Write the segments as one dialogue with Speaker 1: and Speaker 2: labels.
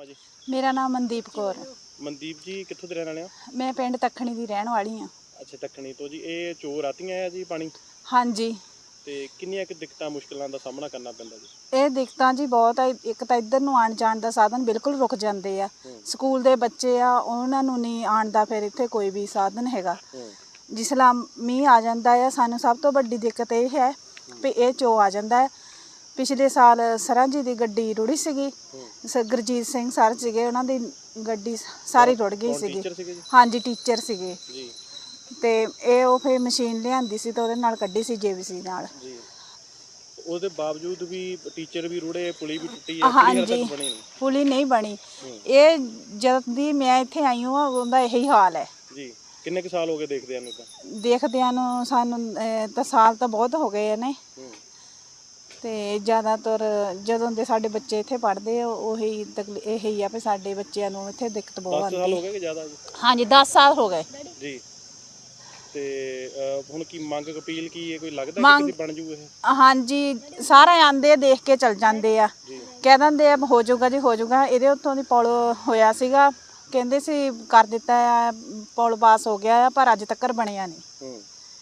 Speaker 1: है जी?
Speaker 2: मेरा नाम मनदीप कौर है।
Speaker 1: मनदीप जी कित्थों दे रहने वाले हो?
Speaker 2: मैं पिंड तखणी दी रहने वाली हाँ।
Speaker 1: अच्छा तखणी तो जी ये चोर आतियां है जी पानी
Speaker 2: हाँ जी,
Speaker 1: ते किन्नियां क दिक्कतां मुश्किलां दा सामना करना पैंदा जी?
Speaker 2: ਇਹ ਦਿੱਕਤਾਂ ਜੀ ਬਹੁਤ ਆ। ਇੱਕ ਤਾਂ ਇੱਧਰ ਨੂੰ ਆਉਣ ਜਾਣ ਦਾ ਸਾਧਨ ਬਿਲਕੁਲ ਰੁਕ ਜਾਂਦੇ ਆ। ਸਕੂਲ ਦੇ ਬੱਚੇ ਆ ਉਹਨਾਂ ਨੂੰ ਨਹੀਂ ਆਉਣ ਦਾ ਫਿਰ ਇੱਥੇ ਕੋਈ ਵੀ ਸਾਧਨ ਹੈਗਾ। ਜਿਸ ਲਾ ਮੀਂਹ ਆ ਜਾਂਦਾ ਆ ਸਾਨੂੰ ਸਭ ਤੋਂ ਵੱਡੀ ਦਿੱਕਤ ਇਹ ਹੈ ਵੀ ਇਹ ਚੋ ਆ ਜਾਂਦਾ ਹੈ। ਪਿਛਲੇ ਸਾਲ ਸਰਾਂ ਜੀ ਦੀ ਗੱਡੀ ਰੁੜੀ ਸੀਗੀ, ਗੁਰਜੀਤ ਸਿੰਘ ਸਰ ਸੀਗੇ, ਉਹਨਾਂ ਦੀ ਗੱਡੀ ਸਾਰੀ ਰੁੜ ਗਈ ਸੀਗੀ। ਹਾਂਜੀ ਟੀਚਰ ਸੀਗੇ
Speaker 1: ਜੀ
Speaker 2: ਤੇ ਇਹ ਉਹ ਫਿਰ ਮਸ਼ੀਨ ਲਿਆਂਦੀ ਸੀ ਤਾਂ ਉਹਦੇ ਨਾਲ ਕੱਢੀ ਸੀ ਜੇਬੀਸੀ ਨਾਲ।
Speaker 1: ਜੀ ਉਹਦੇ ਬਾਵਜੂਦ ਵੀ ਟੀਚਰ ਵੀ ਰੁੜੇ, ਪੁਲੀ ਵੀ ਟੁੱਟੀ ਹੈ,
Speaker 2: ਹਾਂਜੀ ਪੁਲੀ ਨਹੀਂ ਬਣੀ। ਇਹ ਜਦ ਦੀ ਮੈਂ ਇੱਥੇ ਆਈ ਹਾਂ ਉਹਦਾ ਇਹੀ ਹਾਲ ਹੈ
Speaker 1: ਜੀ। ਕਿੰਨੇ ਕੁ ਸਾਲ ਹੋ ਗਏ ਦੇਖਦਿਆਂ ਨੂੰ?
Speaker 2: ਦੇਖਦਿਆਂ ਨੂੰ ਸਾਨੂੰ ਤਾਂ ਸਾਲ ਤਾਂ ਬਹੁਤ ਹੋ ਗਏ ਨੇ ਤੇ ਜ਼ਿਆਦਾਤਰ ਜਦੋਂ ਦੇ ਸਾਡੇ ਬੱਚੇ ਇੱਥੇ ਪੜ੍ਹਦੇ ਆ ਉਹੀ ਇਹੀ ਆ ਵੀ ਸਾਡੇ ਬੱਚਿਆਂ ਨੂੰ ਇੱਥੇ ਦਿੱਕਤ ਬਹੁਤ ਆਉਂਦੀ।
Speaker 1: 10 ਸਾਲ ਹੋ ਗਏ ਕਿ ਜ਼ਿਆਦਾ ਜੀ?
Speaker 2: ਹਾਂਜੀ 10 ਸਾਲ ਹੋ ਗਏ
Speaker 1: ਜੀ। ਤੇ ਹੁਣ ਕੀ ਮੰਗ ਅਪੀਲ ਕੀ ਹੈ? ਕੋਈ ਲੱਗਦਾ ਕਿ ਬਣ ਜੂ ਇਹ?
Speaker 2: ਹਾਂਜੀ ਸਾਰੇ ਆਂਦੇ ਦੇਖ ਕੇ ਚਲ ਜਾਂਦੇ ਆ, ਕਹਿ ਦਿੰਦੇ ਆ ਹੋ ਜਾਊਗਾ ਜੀ ਹੋ ਜਾਊਗਾ। ਇਹਦੇ ਉੱਤੋਂ ਦੀ ਪੁਲ ਹੋਇਆ ਸੀਗਾ, ਕਹਿੰਦੇ ਸੀ ਕਰ ਦਿੱਤਾ ਆ, ਪੁਲ ਪਾਸ ਹੋ ਗਿਆ ਆ, ਪਰ ਅੱਜ ਤੱਕ ਬਣਿਆ ਨਹੀਂ।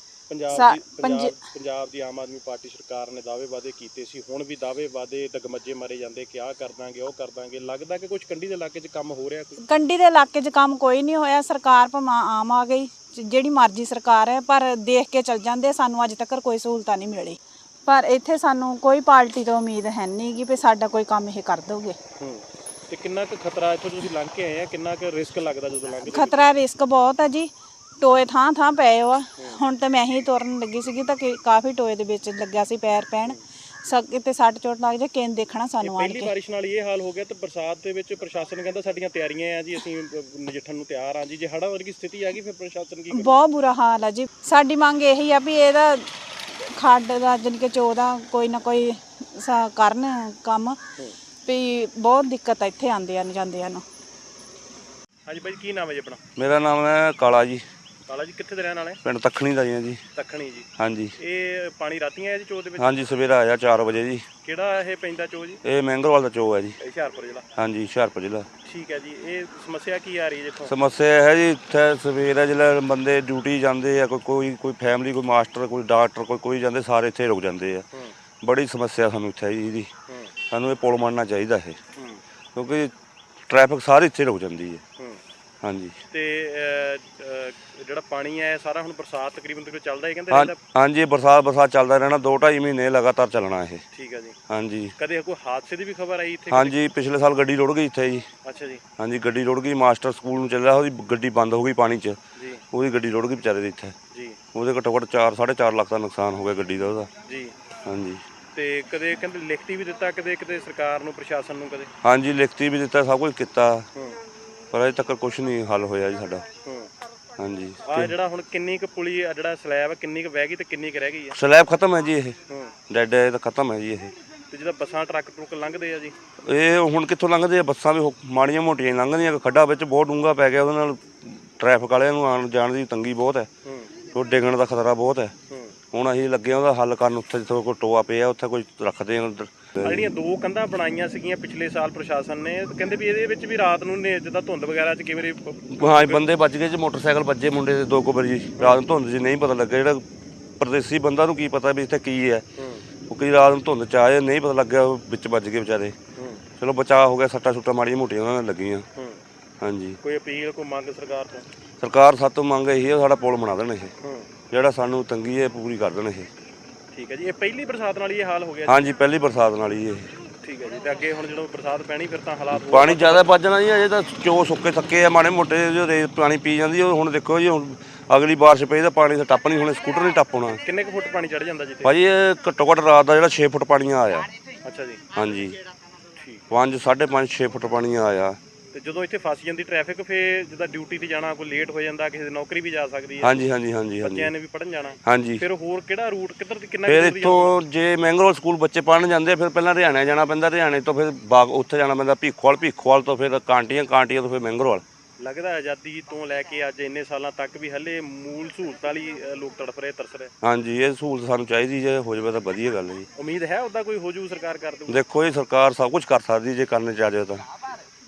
Speaker 1: ਪੰਜਾਬ ਦੀ ਆਮ ਆਦਮੀ ਪਾਰਟੀ ਸਰਕਾਰ ਨੇ ਦਾਅਵੇ ਵਾਅਦੇ ਕੀਤੇ ਸੀ, ਹੁਣ ਵੀ ਦਾਅਵੇ ਵਾਅਦੇ ਡਗਮੱਜੇ ਮਾਰੇ ਜਾਂਦੇ ਕਿ ਆਹ ਕਰ ਦਾਂਗੇ ਉਹ ਕਰ ਦਾਂਗੇ। ਲੱਗਦਾ ਕਿ ਕੁਝ ਕੰਢੀ ਦੇ ਇਲਾਕੇ 'ਚ ਕੰਮ ਹੋ ਰਿਹਾ? ਕੋਈ
Speaker 2: ਕੰਢੀ ਦੇ ਇਲਾਕੇ 'ਚ ਕੰਮ ਕੋਈ ਨਹੀਂ ਹੋਇਆ। ਸਰਕਾਰ ਭਾਵੇਂ ਆਮ ਆ ਗਈ, ਜਿਹੜੀ ਮਰਜ਼ੀ ਸਰਕਾਰ ਹੈ, ਪਰ ਦੇਖ ਕੇ ਚਲ ਜਾਂਦੇ। ਸਾਨੂੰ ਅੱਜ ਤੱਕ ਕੋਈ ਸਹੂਲਤਾਂ ਨਹੀਂ ਮਿਲੀ, ਪਰ ਇੱਥੇ ਸਾਨੂੰ ਕੋਈ ਪਾਰਟੀ ਤੋਂ ਉਮੀਦ ਹੈ ਨਹੀਂ ਕਿ ਵੀ ਸਾਡਾ ਕੋਈ ਕੰਮ ਇਹ ਕਰ ਦੋਗੇ।
Speaker 1: ਤੇ ਕਿੰਨਾ ਕੁ ਖਤਰਾ ਇੱਥੋਂ ਤੁਸੀਂ ਲੰਘ ਕੇ ਆਏ ਆ, ਕਿੰਨਾ ਕੁ ਰਿਸਕ ਲੱਗਦਾ ਜਦੋਂ ਲੰਘਦੇ?
Speaker 2: ਖਤਰਾ ਰਿਸਕ ਬਹੁਤ ਹੈ ਜੀ, ਟੋਏ ਥਾਂ ਥਾਂ ਪਏ ਆ। ਹੁਣ ਤਾਂ ਮੈਂ ਹੀ ਤੁਰਨ ਲੱਗੀ ਸੀਗੀ ਤਾਂ ਕਾਫੀ ਟੋਏ ਦੇ ਵਿੱਚ ਲੱਗਿਆ ਸੀ ਪੈਰ ਪੈਣ, ਕਿਤੇ ਸੱਟ ਚੋਟ ਲੱਗ ਜਾ ਕਿਨ ਦੇਖਣਾ ਸਾਨੂੰ ਆਣ ਕੇ।
Speaker 1: ਪਹਿਲੀ ਬਾਰਿਸ਼ ਨਾਲ ਇਹ ਹਾਲ ਹੋ ਗਿਆ ਤੇ ਬਰਸਾਤ ਦੇ ਵਿੱਚ ਪ੍ਰਸ਼ਾਸਨ ਕਹਿੰਦਾ ਸਾਡੀਆਂ ਤਿਆਰੀਆਂ ਆ ਜੀ, ਅਸੀਂ ਨਜਿੱਠਣ ਨੂੰ ਤਿਆਰ ਆ ਜੀ। ਜੇ ਹੜ੍ਹਾਂ ਵਰਗੀ ਸਥਿਤੀ ਆ ਗਈ ਫਿਰ ਪ੍ਰਸ਼ਾਸਨ ਕੀ ਕਰੇ? ਬਹੁਤ
Speaker 2: ਬੁਰਾ ਹਾਲ ਆ ਜੀ। ਸਾਡੀ ਮੰਗ ਇਹੀ ਆ ਵੀ ਇਹਦਾ ਖੱਡ ਦਾ ਜਾਣੀ ਕਿ ਚੋ ਦਾ ਕੋਈ ਨਾ ਕੋਈ ਕਰਨ ਕੰਮ, ਵੀ ਬਹੁਤ ਦਿੱਕਤ ਆ ਇੱਥੇ ਆਉਂਦਿਆਂ ਨੂੰ ਜਾਂਦਿਆਂ ਨੂੰ।
Speaker 1: ਹਾਂਜੀ ਭਾਈ ਕੀ ਨਾਮ ਹੈ ਜੀ ਆਪਣਾ?
Speaker 3: ਮੇਰਾ ਨਾਮ ਹੈ ਕਾਲਾ ਜੀ।
Speaker 1: ਕਾਲਾ ਜੀ ਕਿੱਥੇ ਦੇ ਰਹਿਣ ਵਾਲੇ?
Speaker 3: ਪਿੰਡ ਤਖਣੀ ਦਾ ਜੀ।
Speaker 1: ਤਖਣੀ ਜੀ।
Speaker 3: ਹਾਂਜੀ।
Speaker 1: ਇਹ ਪਾਣੀ ਰਾਤੀਆਂ ਆਇਆ ਜੀ ਚੋ ਦੇ ਵਿੱਚ?
Speaker 3: ਹਾਂਜੀ ਸਵੇਰਾ ਆਇਆ 4 ਵਜੇ ਜੀ।
Speaker 1: ਕਿਹੜਾ ਇਹ ਪੈਂਦਾ ਚੋ ਜੀ? ਇਹ
Speaker 3: ਮਹਿੰਗਰਵਾਲ ਦਾ ਚੋ ਹੈ ਜੀ,
Speaker 1: ਹੁਸ਼ਿਆਰਪੁਰ ਜ਼ਿਲ੍ਹਾ।
Speaker 3: ਹਾਂਜੀ ਹੁਸ਼ਿਆਰਪੁਰ ਜ਼ਿਲ੍ਹਾ।
Speaker 1: ਠੀਕ ਹੈ ਜੀ। ਇਹ ਸਮੱਸਿਆ ਕੀ ਆ ਰਹੀ ਹੈ ਦੇਖੋ?
Speaker 3: ਸਮੱਸਿਆ ਹੈ ਜੀ ਇੱਥੇ ਸਵੇਰਾ ਜਿਹੜਾ ਬੰਦੇ ਡਿਊਟੀ ਜਾਂਦੇ ਆ, ਕੋਈ ਫੈਮਿਲੀ, ਕੋਈ ਮਾਸਟਰ, ਕੋਈ ਡਾਕਟਰ, ਕੋਈ ਜਾਂਦੇ, ਸਾਰੇ ਇੱਥੇ ਰੁਕ ਜਾਂਦੇ ਆ। ਬੜੀ ਸਮੱਸਿਆ ਸਾਨੂੰ ਇੱਥੇ ਜੀ ਇਹਦੀ। ਸਾਨੂੰ ਇਹ ਪੁਲ ਬਣਨਾ ਚਾਹੀਦਾ ਇਹ, ਕਿਉਂਕਿ ਟ੍ਰੈਫਿਕ ਸਾਰੀ ਇੱਥੇ ਰੁਕ ਜਾਂਦੀ ਹੈ। ਹਾਂਜੀ। ਤੇ
Speaker 1: ਜਿਹੜਾ ਪਾਣੀ ਹੈ ਸਾਰਾ ਹੁਣ ਬਰਸਾਤ ਤਕਰੀਬਨ ਚੱਲਦਾ ਹੀ ਕਹਿੰਦੇ ਰਹਿੰਦਾ?
Speaker 3: ਹਾਂਜੀ ਬਰਸਾਤ ਚੱਲਦਾ ਰਹਿਣਾ, 2-2.5 ਮਹੀਨੇ ਲਗਾਤਾਰ ਚੱਲਣਾ ਇਹ।
Speaker 1: ਠੀਕ ਹੈ ਜੀ।
Speaker 3: ਹਾਂਜੀ।
Speaker 1: ਕਦੇ ਕੋਈ ਹਾਦਸੇ ਦੀ ਵੀ ਖਬਰ ਆਈ ਇੱਥੇ?
Speaker 3: ਹਾਂਜੀ ਪਿਛਲੇ ਸਾਲ ਗੱਡੀ ਰੁੜ ਗਈ ਇੱਥੇ ਜੀ।
Speaker 1: ਅੱਛਾ ਜੀ।
Speaker 3: ਹਾਂਜੀ ਗੱਡੀ ਰੁੜ ਗਈ, ਮਾਸਟਰ ਸਕੂਲ ਨੂੰ ਚੱਲਿਆ, ਉਹਦੀ ਗੱਡੀ ਬੰਦ ਹੋ ਗਈ ਪਾਣੀ 'ਚ ਜੀ। ਉਹਦੀ ਗੱਡੀ ਰੁੜ ਗਈ ਵਿਚਾਰੇ ਦੀ ਇੱਥੇ ਜੀ। ਉਹਦੇ ਘੱਟੋ ਘੱਟ 4-4.5 ਲੱਖ ਦਾ ਨੁਕਸਾਨ ਹੋ ਗਿਆ ਗੱਡੀ ਦਾ ਉਹਦਾ ਜੀ। ਹਾਂਜੀ। ਤੇ ਕਦੇ ਕਹਿੰਦੇ ਲਿਖਤੀ ਵੀ ਦਿੱਤਾ ਕਿਤੇ ਸਰਕਾਰ ਨੂੰ, ਪ੍ਰਸ਼ਾਸਨ ਨੂੰ ਕਦੇ? ਹਾਂਜੀ ਲਿਖਤੀ ਵੀ ਦਿੱਤਾ, ਸਭ ਕੁਝ ਕੀਤਾ, ਪਰ ਅਜੇ ਤੱਕ ਕੁਝ ਨਹੀਂ ਹੱਲ ਹੋਇਆ ਜੀ ਸਾਡਾ। ਹਾਂਜੀ। ਆ
Speaker 1: ਜਿਹੜਾ ਹੁਣ ਕਿੰਨੀ ਕੁ ਪੁਲੀ ਜਿਹੜਾ ਸਲੈਬ ਕਿੰਨੀ ਕੁ ਵਹਿ ਗਈ ਤੇ ਕਿੰਨੀ ਕੁ ਰਹਿ ਗਈ ਹੈ?
Speaker 3: ਸਲੈਬ ਖਤਮ ਹੈ ਜੀ, ਇਹ ਡੈਡ ਹੈ, ਤਾਂ ਖਤਮ ਹੈ ਜੀ ਇਹ।
Speaker 1: ਤੇ ਜਿਹੜਾ ਬੱਸਾਂ ਟਰੱਕ ਲੰਘਦੇ ਆ ਜੀ,
Speaker 3: ਇਹ ਹੁਣ ਕਿੱਥੋਂ ਲੰਘਦੇ ਆ? ਬੱਸਾਂ ਵੀ ਮਾੜੀਆਂ ਮੋਟੀਆਂ ਲੰਘਦੀਆਂ, ਖੱਡਾ ਵਿੱਚ ਬਹੁਤ ਡੂੰਘਾ ਪੈ ਗਿਆ, ਉਹਦੇ ਨਾਲ ਟ੍ਰੈਫਿਕ ਵਾਲਿਆਂ ਨੂੰ ਆਉਣ ਜਾਣ ਦੀ ਤੰਗੀ ਬਹੁਤ ਹੈ, ਉਹ ਡਿੱਗਣ ਦਾ ਖਤਰਾ ਬਹੁਤ ਹੈ। ਹੁਣ ਅਸੀਂ ਲੱਗੇ ਉਹਦਾ ਹੱਲ ਕਰਨ, ਉੱਥੇ ਜਿੱਥੇ ਕੋਈ ਟੋਆ ਪਿਆ ਉੱਥੇ ਕੋਈ ਰੱਖਦੇ ਆ।
Speaker 1: ਜਿਹੜੀਆਂ 2 ਕੰਧਾਂ ਬਣਾਈਆਂ ਸੀਗੀਆਂ ਪਿਛਲੇ ਸਾਲ ਪ੍ਰਸ਼ਾਸਨ ਨੇ, ਕਹਿੰਦੇ ਵੀ ਇਹਦੇ ਵਿੱਚ ਵੀ ਰਾਤ ਨੂੰ ਜਿੱਦਾਂ ਧੁੰਦ ਵਗੈਰਾ 'ਚ ਕਈ ਵਾਰੀ
Speaker 3: ਹਾਂ ਬੰਦੇ ਵੱਜ ਗਏ ਜੀ, ਮੋਟਰਸਾਈਕਲ ਵੱਜੇ ਮੁੰਡੇ ਦੇ 2 ਵਾਰੀ ਰਾਤ ਨੂੰ ਧੁੰਦ 'ਚ ਨਹੀਂ ਪਤਾ ਲੱਗਾ। ਜਿਹੜਾ ਪਰਦੇਸੀ ਬੰਦਾ ਨੂੰ ਕੀ ਪਤਾ ਵੀ ਇੱਥੇ ਕੀ ਹੈ, ਉਹ ਕਈ ਰਾਤ ਨੂੰ ਧੁੰਦ 'ਚ ਆਏ ਨਹੀਂ ਪਤਾ ਲੱਗਿਆ, ਵਿੱਚ ਵੱਜ ਗਏ ਵਿਚਾਰੇ। ਚਲੋ ਬਚਾਅ ਹੋ ਗਿਆ, ਸੱਟਾਂ ਸੁੱਟਾਂ ਮਾੜੀਆਂ ਮੋਟੀਆਂ ਉਹਨਾਂ ਨਾਲ ਲੱਗੀਆਂ। ਹਾਂਜੀ।
Speaker 1: ਕੋਈ ਅਪੀਲ, ਕੋਈ ਮੰਗ ਸਰਕਾਰ ਤੋਂ?
Speaker 3: ਸਰਕਾਰ ਸਾਤੋਂ ਮੰਗ ਇਹੀ ਹੈ ਸਾਡਾ ਪੁਲ ਬਣਾ ਦੇਣ, ਇਹ ਜਿਹੜਾ ਸਾਨੂੰ ਤੰਗੀ ਹੈ ਪੂਰੀ ਕਰ ਦੇਣ ਇਹ।
Speaker 1: ਠੀਕ ਹੈ ਜੀ। ਇਹ ਪਹਿਲੀ ਬਰਸਾਤ ਨਾਲ ਹੀ ਇਹ ਹਾਲ ਹੋ ਗਿਆ?
Speaker 3: ਹਾਂਜੀ ਪਹਿਲੀ ਬਰਸਾਤ ਨਾਲ ਹੀ ਇਹ।
Speaker 1: ਠੀਕ ਹੈ ਜੀ। ਤੇ ਅੱਗੇ ਹੁਣ ਜਦੋਂ ਬਰਸਾਤ ਪੈਣੀ ਫਿਰ ਤਾਂ ਹਾਲਾਤ
Speaker 3: ਪਾਣੀ ਜ਼ਿਆਦਾ ਵੱਜ ਜਾਣਾ ਜੀ। ਅਜੇ ਤਾਂ ਚੋ ਸੁੱਕੇ ਥੱਕੇ ਆ, ਮਾੜੇ ਮੋਟੇ ਜੋ ਰੇਤ ਪਾਣੀ ਪੀ ਜਾਂਦੀ ਉਹ। ਹੁਣ ਦੇਖੋ ਜੀ, ਹੁਣ ਅਗਲੀ ਬਾਰਿਸ਼ ਪਈ ਤਾਂ ਪਾਣੀ ਤਾਂ ਟੱਪ ਨਹੀਂ, ਹੁਣ ਸਕੂਟਰ ਨਹੀਂ ਟੱਪ ਹੋਣਾ।
Speaker 1: ਕਿੰਨੇ ਕੁ ਫੁੱਟ ਪਾਣੀ ਚੜ ਜਾਂਦਾ ਜੀ?
Speaker 3: ਭਾਜੀ ਇਹ ਘੱਟੋ ਘੱਟ ਰਾਤ ਦਾ ਜਿਹੜਾ 6 ਫੁੱਟ ਪਾਣੀ ਆਇਆ।
Speaker 1: ਅੱਛਾ ਜੀ।
Speaker 3: ਹਾਂਜੀ।
Speaker 1: ਠੀਕ।
Speaker 3: 5.5 6 ਫੁੱਟ ਪਾਣੀ ਆਇਆ।
Speaker 1: ਤੇ ਜਦੋਂ ਇੱਥੇ ਫਸ ਜਾਂਦੀ ਟ੍ਰੈਫਿਕ, ਫਿਰ ਜਿੱਦਾਂ ਡਿਊਟੀ ਤੇ ਜਾਣਾ, ਕੋਈ ਲੇਟ ਹੋ ਜਾਂਦਾ, ਕਿਸੇ ਦੀ ਨੌਕਰੀ ਵੀ ਜਾ ਸਕਦੀ ਹੈ।
Speaker 3: ਹਾਂਜੀ।
Speaker 1: ਬੱਚਿਆਂ ਨੇ ਵੀ ਪੜ੍ਹਨ ਜਾਣਾ।
Speaker 3: ਹਾਂਜੀ।
Speaker 1: ਫਿਰ ਹੋਰ ਕਿਹੜਾ ਰੂਟ, ਕਿੱਧਰ ਦੀ ਕਿੰਨਾ?
Speaker 3: ਫਿਰ ਇੱਥੋਂ ਜੇ ਮਹਿੰਗਰੋਲ ਸਕੂਲ ਬੱਚੇ ਪੜ੍ਹਨ ਜਾਂਦੇ, ਫਿਰ ਪਹਿਲਾਂ ਹਰਿਆਣੇ ਜਾਣਾ ਪੈਂਦਾ, ਹਰਿਆਣੇ ਤੋਂ ਫਿਰ ਉੱਥੇ ਜਾਣਾ ਪੈਂਦਾ ਭੀਖੋਵਾਲ ਤੋਂ ਫਿਰ ਕਾਂਟੀਆਂ ਤੋਂ ਫਿਰ ਮਹਿੰਗਰੋਲ।
Speaker 1: ਲੱਗਦਾ ਆਜ਼ਾਦੀ ਤੋਂ ਲੈ ਕੇ ਅੱਜ ਇੰਨੇ ਸਾਲਾਂ ਤੱਕ ਵੀ ਹਲੇ ਮੂਲ ਸਹੂਲਤਾਂ ਲਈ ਲੋਕ ਤੜਫ ਰਹੇ, ਤਰਸ ਰਹੇ।
Speaker 3: ਹਾਂਜੀ ਇਹ ਸਹੂਲਤ ਸਾਨੂੰ ਚਾਹੀਦੀ, ਜੇ ਹੋ ਜਾਵੇ ਤਾਂ ਵਧੀਆ ਗੱਲ ਹੈ ਜੀ।
Speaker 1: ਉਮੀਦ ਹੈ ਉੱਦਾਂ ਕੋਈ ਹੋ ਜੂ, ਸਰਕਾਰ ਕਰ ਦੂ?
Speaker 3: ਦੇਖੋ ਇਹ ਸਰਕਾਰ ਸਭ ਕੁਝ ਕਰ ਸਕਦੀ ਜੇ ਕਰਨੇ ਚਾਹੇ ਤਾਂ।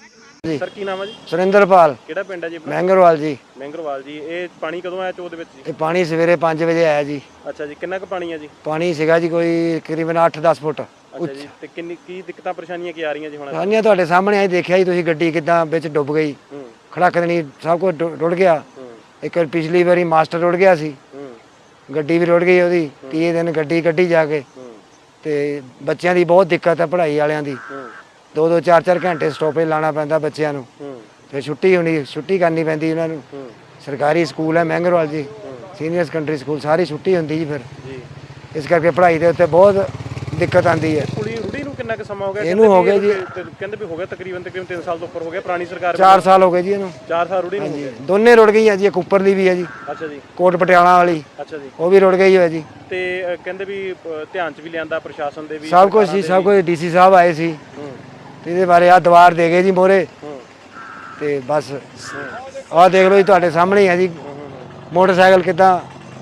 Speaker 4: ਜੀ
Speaker 1: ਸਰ ਕੀ ਨਾਮ ਹੈ ਜੀ?
Speaker 4: ਸੁਰਿੰਦਰਪਾਲ
Speaker 1: ਕਿਹੜਾ ਪਿੰਡ ਹੈ ਜੀ ਆਪਣਾ?
Speaker 4: ਮਹਿੰਗਰਵਾਲ ਜੀ।
Speaker 1: ਮਹਿੰਗਰਵਾਲ ਜੀ। ਇਹ ਪਾਣੀ ਕਦੋਂ ਆਇਆ ਚੋਅ ਦੇ ਵਿੱਚ ਜੀ?
Speaker 4: ਇਹ ਪਾਣੀ ਸਵੇਰੇ 5 ਵਜੇ ਆਇਆ ਜੀ।
Speaker 1: ਅੱਛਾ ਜੀ, ਕਿੰਨਾ ਕੁ ਪਾਣੀ ਹੈ ਜੀ?
Speaker 4: ਪਾਣੀ ਸੀਗਾ ਜੀ ਕੋਈ ਤਕਰੀਬਨ 8-10 ਫੁੱਟ।
Speaker 1: ਅੱਛਾ ਜੀ, ਤੇ ਕੀ ਦਿੱਕਤਾਂ ਪਰੇਸ਼ਾਨੀਆਂ ਕੀ ਆ ਰਹੀਆਂ ਜੀ ਹੁਣ?
Speaker 4: ਸਾਨੀਆਂ ਤੁਹਾਡੇ ਸਾਹਮਣੇ ਆਈ ਦੇਖਿਆ ਜੀ ਤੁਸੀਂ, ਗੱਡੀ ਕਿੱਦਾਂ ਵਿੱਚ ਡੁੱਬ ਗਈ,
Speaker 1: ਹੂੰ
Speaker 4: ਖੜਕਦਣੀ ਸਭ ਕੁਝ ਰੁੜ ਗਿਆ।
Speaker 1: ਹੂੰ
Speaker 4: ਇੱਕ ਪਿਛਲੀ ਵਾਰੀ ਮਾਸਟਰ ਰੁੜ ਗਿਆ ਸੀ,
Speaker 1: ਹੂੰ
Speaker 4: ਗੱਡੀ ਵੀ ਰੁੜ ਗਈ ਉਹਦੀ। 30 ਦਿਨ ਗੱਡੀ ਕੱਢੀ ਜਾ ਕੇ।
Speaker 1: ਹੂੰ
Speaker 4: ਤੇ ਬੱਚਿਆਂ ਦੀ ਬਹੁਤ ਦਿੱਕਤ ਹੈ, ਪੜ੍ਹਾਈ ਵਾਲਿਆਂ ਦੀ।
Speaker 1: ਹੂੰ
Speaker 4: 2-2 4-4 ਘੰਟੇ ਸਟਾਪੇਜ ਲਾਉਣਾ ਪੈਂਦਾ ਬੱਚਿਆਂ ਨੂੰ।
Speaker 1: ਹੂੰ
Speaker 4: ਫਿਰ ਛੁੱਟੀ ਕਰਨੀ ਪੈਂਦੀ ਉਹਨਾਂ ਨੂੰ।
Speaker 1: ਹੂੰ
Speaker 4: ਸਰਕਾਰੀ ਸਕੂਲ ਹੈ ਮਹਿੰਗਰਵਾਲ ਜੀ, ਸੀਨੀਅਰ ਸੈਕੰਡਰੀ ਸਕੂਲ, ਸਾਰੀ ਛੁੱਟੀ ਹੁੰਦੀ ਜੀ। ਫਿਰ
Speaker 1: ਜੀ।
Speaker 4: ਇਸ ਕਰਕੇ ਪੜ੍ਹਾਈ ਦੇ ਉੱਤੇ ਬਹੁਤ ਦਿੱਕਤ ਆਉਂਦੀ ਹੈ।
Speaker 1: ਕੁੜੀ ਰੁੜੀ ਨੂੰ ਕਿੰਨਾ ਕੁ ਸਮਾਂ ਹੋ ਗਿਆ?
Speaker 4: ਇਹਨੂੰ ਹੋ ਗਿਆ ਜੀ,
Speaker 1: ਕਹਿੰਦੇ ਵੀ ਹੋ ਗਿਆ ਤਕਰੀਬਨ 3 ਸਾਲ ਤੋਂ ਉੱਪਰ ਹੋ ਗਿਆ। ਪੁਰਾਣੀ ਸਰਕਾਰ
Speaker 4: 4 ਸਾਲ ਹੋ ਗਏ ਜੀ ਇਹਨੂੰ।
Speaker 1: 4 ਸਾਲ ਰੁੜੀ ਨੂੰ ਹੋ
Speaker 4: ਹਾਂਜੀ,
Speaker 1: ਗਿਆ।
Speaker 4: ਦੋਨੇ ਰੁੜ ਗਈਆਂ ਜੀ। ਇੱਕ ਉੱਪਰਲੀ ਵੀ ਹੈ ਜੀ,
Speaker 1: ਅੱਛਾ ਜੀ।
Speaker 4: ਕੋਟ ਪਟਿਆਲਾ ਵਾਲੀ,
Speaker 1: ਅੱਛਾ ਜੀ।
Speaker 4: ਉਹ ਵੀ ਰੁੜ ਗਈ ਹੋਇਆ ਜੀ।
Speaker 1: ਤੇ ਕਹਿੰਦੇ ਵੀ ਧਿਆਨ ਚ ਵੀ ਲਿਆਂਦਾ ਪ੍ਰਸ਼ਾਸਨ ਦੇ ਵੀ,
Speaker 4: ਸਭ ਕੁਝ ਜੀ, ਸਭ ਕੁਝ। ਡੀਸੀ ਸਾਹਿਬ ਆਏ ਸੀ
Speaker 1: ਹੂੰ
Speaker 4: ਤੇ ਇਹਦੇ ਬਾਰੇ ਆਹ ਦੀਵਾਰ ਦੇ ਗਏ ਜੀ ਮੋਰੇ।
Speaker 1: ਹੂੰ
Speaker 4: ਤੇ ਬਸ ਆਹ ਦੇਖ ਲਓ ਜੀ, ਤੁਹਾਡੇ ਸਾਹਮਣੇ ਹੀ ਹੈ ਜੀ ਮੋਟਰਸਾਈਕਲ ਕਿੱਦਾਂ।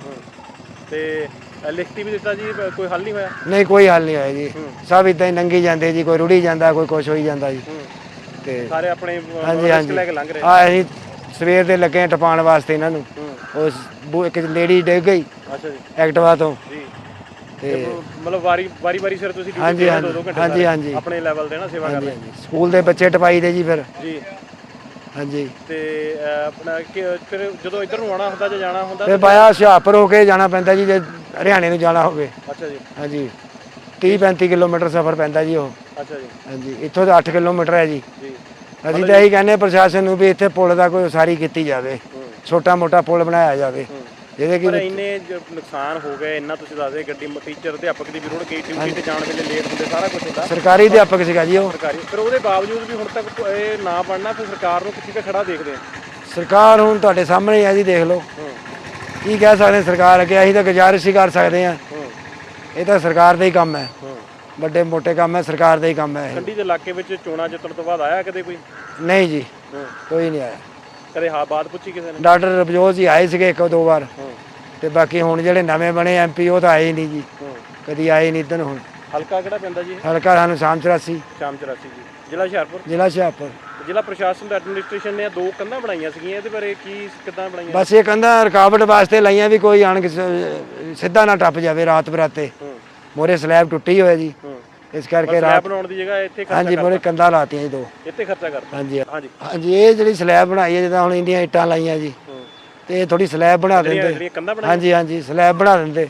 Speaker 1: ਤੇ ਲਿਖਤੀ ਵੀ ਦਿੱਤਾ ਜੀ, ਕੋਈ ਹੱਲ ਨਹੀਂ ਹੋਇਆ?
Speaker 4: ਨਹੀਂ, ਕੋਈ ਹੱਲ ਨਹੀਂ ਹੋਇਆ ਜੀ। ਸਭ ਇਦਾਂ ਹੀ ਲੰਘੀ ਜਾਂਦੇ ਜੀ, ਕੋਈ ਰੁੜੀ ਜਾਂਦਾ, ਕੋਈ ਕੁਛ ਹੋਈ ਜਾਂਦਾ ਜੀ। ਤੇ
Speaker 1: ਸਾਰੇ ਆਪਣੇ
Speaker 4: ਹਾਂਜੀ
Speaker 1: ਰਿਸਕ
Speaker 4: ਹਾਂਜੀ,
Speaker 1: ਲੈ ਕੇ ਲੰਘ ਰਹੇ।
Speaker 4: ਆ ਅਸੀਂ ਸਵੇਰ ਦੇ ਲੱਗੇ ਟਪਾਉਣ ਵਾਸਤੇ ਇਹਨਾਂ ਨੂੰ।
Speaker 1: ਹੂੰ
Speaker 4: ਉਸ ਇੱਕ ਲੇਡੀ ਡਿੱਗ ਗਈ
Speaker 1: ਅੱਛਾ ਜੀ।
Speaker 4: ਐਕਟਿਵਾ ਤੋਂ।
Speaker 1: ਜੀ।
Speaker 4: ਤੇ
Speaker 1: ਮਤਲਬ ਵਾਰੀ ਸਿਰ ਤੁਸੀਂ
Speaker 4: ਹਾਂਜੀ,
Speaker 1: ਡਿਊਟੀ
Speaker 4: ਹਾਂਜੀ,
Speaker 1: 2-2 ਘੰਟੇ
Speaker 4: ਹਾਂਜੀ,
Speaker 1: ਸਾਰੇ
Speaker 4: ਹਾਂਜੀ।
Speaker 1: ਆਪਣੇ ਲੈਵਲ ਤੇ ਨਾ ਸੇਵਾ
Speaker 4: ਹਾਂਜੀ
Speaker 1: ਕਰਦੇ
Speaker 4: ਹਾਂਜੀ, ਸਕੂਲ ਦੇ ਬੱਚੇ ਟਪਾਈ ਦੇ ਜੀ ਫਿਰ।
Speaker 1: ਜੀ।
Speaker 4: ਹਾਂਜੀ,
Speaker 1: ਤੇ ਆਪਣਾ ਫਿਰ ਜਦੋਂ ਇੱਧਰ ਨੂੰ ਆਉਣਾ ਹੁੰਦਾ ਜਾਂ ਜਾਣਾ ਹੁੰਦਾ
Speaker 4: ਫਿਰ ਬਾਇਆ ਹੁਸ਼ਿਆਰਪੁਰ ਹੋ ਕੇ ਜਾਣਾ ਪੈਂਦਾ ਜੀ, ਜੇ ਹਰਿਆਣੇ ਨੂੰ ਜਾਣਾ ਹੋਵੇ।
Speaker 1: ਅੱਛਾ ਜੀ।
Speaker 4: ਹਾਂਜੀ, 30-35 ਕਿਲੋਮੀਟਰ ਸਫ਼ਰ ਪੈਂਦਾ ਜੀ ਉਹ।
Speaker 1: ਅੱਛਾ ਜੀ।
Speaker 4: ਹਾਂਜੀ, ਇੱਥੋਂ ਤਾਂ 8 ਕਿਲੋਮੀਟਰ ਹੈ ਜੀ।
Speaker 1: ਜੀ।
Speaker 4: ਅਸੀਂ ਤਾਂ ਇਹੀ ਕਹਿੰਦੇ ਪ੍ਰਸ਼ਾਸਨ ਨੂੰ ਵੀ ਇੱਥੇ ਪੁਲ ਦਾ ਕੋਈ ਉਸਾਰੀ ਕੀਤੀ ਜਾਵੇ, ਛੋਟਾ ਮੋਟਾ ਪੁਲ ਬਣਾਇਆ ਜਾਵੇ, ਜਿਹਦੇ
Speaker 1: ਪਰ
Speaker 4: ਕਿ
Speaker 1: ਇੰਨੇ ਨੁਕਸਾਨ ਹੋ ਗਏ, ਇੰਨਾ ਤੁਸੀਂ ਦੱਸਦੇ ਗੱਡੀ ਟੀਚਰ ਅਧਿਆਪਕ ਦੀ ਵੀ ਰੁੜ ਗਈ, ਡਿਊਟੀ ਤੇ ਜਾਣ ਵੇਲੇ ਲੇਟ ਹੁੰਦੇ, ਸਾਰਾ ਕੁਝ ਹੁੰਦਾ।
Speaker 4: ਸਰਕਾਰੀ ਅਧਿਆਪਕ ਸੀਗਾ ਜੀ ਉਹ।
Speaker 1: ਸਰਕਾਰੀ, ਫਿਰ ਉਹਦੇ ਬਾਵਜੂਦ ਵੀ ਹੁਣ ਤੱਕ ਇਹ ਨਾ ਬਣਨਾ, ਫਿਰ ਸਰਕਾਰ ਨੂੰ ਕਿੱਥੇ ਖੜਾ ਦੇਖਦੇ ਆ?
Speaker 4: ਸਰਕਾਰ ਹੁਣ ਤੁਹਾਡੇ ਸਾਹਮਣੇ ਹੀ ਹੈ ਜੀ, ਦੇਖ ਲਓ। ਕੀ ਕਹਿ ਸਕਦੇ ਹਾਂ ਸਰਕਾਰ ਅੱਗੇ? ਅਸੀਂ ਤਾਂ ਗੁਜ਼ਾਰਿਸ਼ ਹੀ ਕਰ ਸਕਦੇ ਹਾਂ। ਇਹ ਤਾਂ ਸਰਕਾਰ ਦਾ ਹੀ ਕੰਮ ਹੈ, ਵੱਡੇ ਮੋਟੇ ਕੰਮ ਹੈ, ਸਰਕਾਰ ਦਾ ਹੀ ਕੰਮ ਹੈ ਇਹ।
Speaker 1: ਕੰਢੀ ਦੇ ਇਲਾਕੇ ਵਿੱਚ ਚੋਣਾਂ ਜਿੱਤਣ ਤੋਂ ਬਾਅਦ ਆਇਆ ਕਦੇ ਕੋਈ?
Speaker 4: ਨਹੀਂ ਜੀ, ਕੋਈ ਨਹੀਂ ਆਇਆ।
Speaker 1: ਕਦੇ ਬਾਤ ਪੁੱਛੀ ਕਿਸੇ ਨੇ?
Speaker 4: ਡਾਕਟਰ ਰਬਜੋਤ ਜੀ ਆਏ ਸੀਗੇ 1-2 ਵਾਰ, ਤੇ ਬਾਕੀ ਹੁਣ ਜਿਹੜੇ ਨਵੇਂ ਬਣੇ ਐਮਪੀ ਉਹ ਤਾਂ ਆਏ ਹੀ ਨਹੀਂ ਜੀ, ਕਦੀ ਆਏ ਨਹੀਂ ਇੱਧਰ। ਹੁਣ
Speaker 1: ਹਲਕਾ ਕਿਹੜਾ ਪੈਂਦਾ ਜੀ?
Speaker 4: ਹਲਕਾ ਸਾਨੂੰ ਸ਼ਾਮ 84
Speaker 1: ਜੀ। ਜ਼ਿਲ੍ਹਾ ਹੁਸ਼ਿਆਰਪੁਰ।
Speaker 4: ਜ਼ਿਲ੍ਹਾ ਹੁਸ਼ਿਆਰਪੁਰ।
Speaker 1: ਜ਼ਿਲ੍ਹਾ ਪ੍ਰਸ਼ਾਸਨ ਦਾ ਐਡਮਿਨਿਸਟ੍ਰੇਸ਼ਨ ਨੇ 2 ਕੰਧਾਂ ਬਣਾਈਆਂ ਸੀਗੀਆਂ, ਇਹਦੇ ਬਾਰੇ ਕਿੱਦਾਂ ਬਣਾਈਆਂ?
Speaker 4: ਬਸ ਇਹ ਕਹਿੰਦਾ ਰੁਕਾਵਟ ਵਾਸਤੇ ਲਾਈਆਂ ਵੀ ਕੋਈ ਆਣ ਕੇ ਸਿੱਧਾ ਨਾ ਟੱਪ ਜਾਵੇ ਰਾਤ ਬਰਾਤੇ। ਮੋਰੇ ਸਲੈਬ ਟੁੱਟੀ ਹੋਇਆ ਜੀ, ਇਸ ਕਰਕੇ
Speaker 1: ਸਲੈਬ ਬਣਾਉਣ ਦੀ ਜਗ੍ਹਾ ਇੱਥੇ ਖਰਚਾ
Speaker 4: ਹਾਂਜੀ ਮੋਰੇ ਕੰਧਾਂ ਲਾਤੀਆਂ ਜੀ 2।
Speaker 1: ਇੱਥੇ ਖਰਚਾ ਕਰਤਾ?
Speaker 4: ਹਾਂਜੀ
Speaker 1: ਹਾਂਜੀ
Speaker 4: ਹਾਂਜੀ, ਇਹ ਜਿਹੜੀ ਸਲੈਬ ਬਣਾਈ ਹੈ, ਜਿੱਦਾਂ ਹੁਣ ਇੰਡੀਆਂ ਇੱਟਾਂ ਲਾਈਆਂ ਜੀ, ਤੇ ਇਹ ਥੋੜੀ ਸਲੈਬ ਬਣਾ ਦਿੰਦੇ। ਹਾਂਜੀ ਹਾਂਜੀ, ਸਲੈਬ ਬਣਾ ਦਿੰਦੇ।